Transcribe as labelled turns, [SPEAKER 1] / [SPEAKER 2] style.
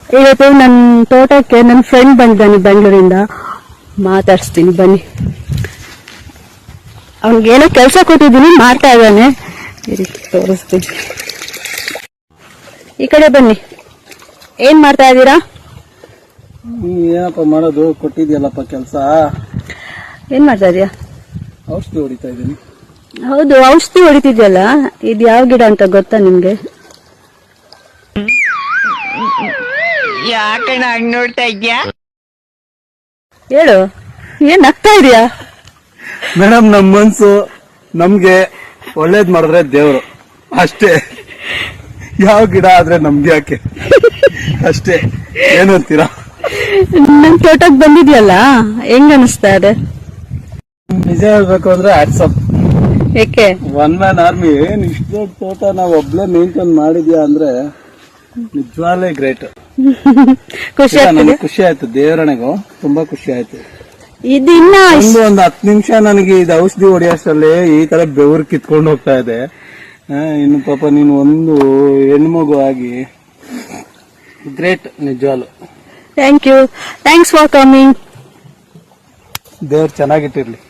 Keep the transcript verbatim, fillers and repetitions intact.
[SPEAKER 1] ಇವತ್ತು ನನ್ನ ತೋಟಕ್ಕೆ ನನ್ನ ಫ್ರೆಂಡ್ ಬಂದಿದ್ದಾನೆ ಬೆಂಗಳೂರಿಂದ, ಮಾತಾಡಿಸ್ತೀನಿ ಬನ್ನಿ. ಅವನಿಗೇನೋ ಕೆಲಸ ಕೊಟ್ಟಿದ್ದೀನಿ, ಮಾಡ್ತಾ ಇದ್ದಾನೆ, ತೋರಿಸ್ತೀನಿ. ಈ ಕಡೆ ಬನ್ನಿ. ಏನ್ ಮಾಡ್ತಾ ಇದ್ದೀರಾ?
[SPEAKER 2] ಏನಪ್ಪ ಮಾಡೋದು, ಕೊಟ್ಟಿದ್ಯಲ್ಲಪ್ಪ ಕೆಲಸ.
[SPEAKER 1] ಏನ್ ಮಾಡ್ತಾ ಇದೀಯಾ?
[SPEAKER 2] ಔಷಧಿ ಹೊಡಿತಾ ಇದ್ದೀನಿ.
[SPEAKER 1] ಹೌದು, ಔಷಧಿ ಹೊಡಿತಿದ್ಯಲ್ಲ, ಇದು ಯಾವ ಗಿಡ ಅಂತ ಗೊತ್ತಾ ನಿಮ್ಗೆ?
[SPEAKER 3] ಯಾಕೆ ಹಂಗ್ ನೋಡ್ತಾ ಇದ್ಯಾ?
[SPEAKER 1] ಹೇಳು, ಏನ್ ನಗ್ತಾ ಇದೀಯಾ?
[SPEAKER 2] ಮೇಡಮ್, ನಮ್ ಮನ್ಸು ನಮ್ಗೆ ಒಳ್ಳೇದ್ ಮಾಡಿದ್ರೆ ದೇವ್ರು ಅಷ್ಟೇ. ಯಾವ ಗಿಡ ಆದ್ರೆ ನಮ್ಗೆ ಯಾಕೆ ಅಷ್ಟೇ. ಏನಂತೀರಾ?
[SPEAKER 1] ನನ್ ತೋಟಕ್ ಬಂದಿದ್ಯಲ್ಲ, ಹೆಂಗ್ ಅನಿಸ್ತಾ ಇದೆ?
[SPEAKER 2] ನಿಜ ಹೇಳ್ಬೇಕು ಅಂದ್ರೆ ಆಟ್ಸಪ್.
[SPEAKER 1] ಏಕೆ?
[SPEAKER 2] One man army. ಏನ್ ಇಷ್ಟ ದೊಡ್ಡ ತೋಟ ನಾವ್ ಒಬ್ಳೆ ಮೇಂಟೈನ್ ಮಾಡಿದ್ಯಾ ಅಂದ್ರೆ ನಿಜವಾಗ್ಲೇ ಗ್ರೇಟ್.
[SPEAKER 1] ಖುಷಿ ಆಗ್ತದೆ.
[SPEAKER 2] ಖುಷಿ ಆಯ್ತು, ದೇವರಣೆಗೂ ತುಂಬಾ ಖುಷಿ ಆಯ್ತು.
[SPEAKER 1] ಇದಿನ್ನ
[SPEAKER 2] ಒಂದು ಒಂದ್ ಹತ್ತು ನಿಮಿಷ ನನಗೆ ಇದು ಔಷಧಿ ಹೊಡಿಯೋಷ್ಟರಲ್ಲಿ ಈ ತರ ಬೆವರು ಕಿತ್ಕೊಂಡು ಹೋಗ್ತಾ ಇದೆ. ಇನ್ನು ಪಾಪ ನೀನು ಒಂದು ಹೆಣ್ಮಗು ಆಗಿ ಗ್ರೇಟ್ ನಿಜವಾಗ್ಲು.
[SPEAKER 1] Thank you, thanks for coming.
[SPEAKER 2] ದೇವ್ರು ಚೆನ್ನಾಗಿಟ್ಟಿರ್ಲಿ.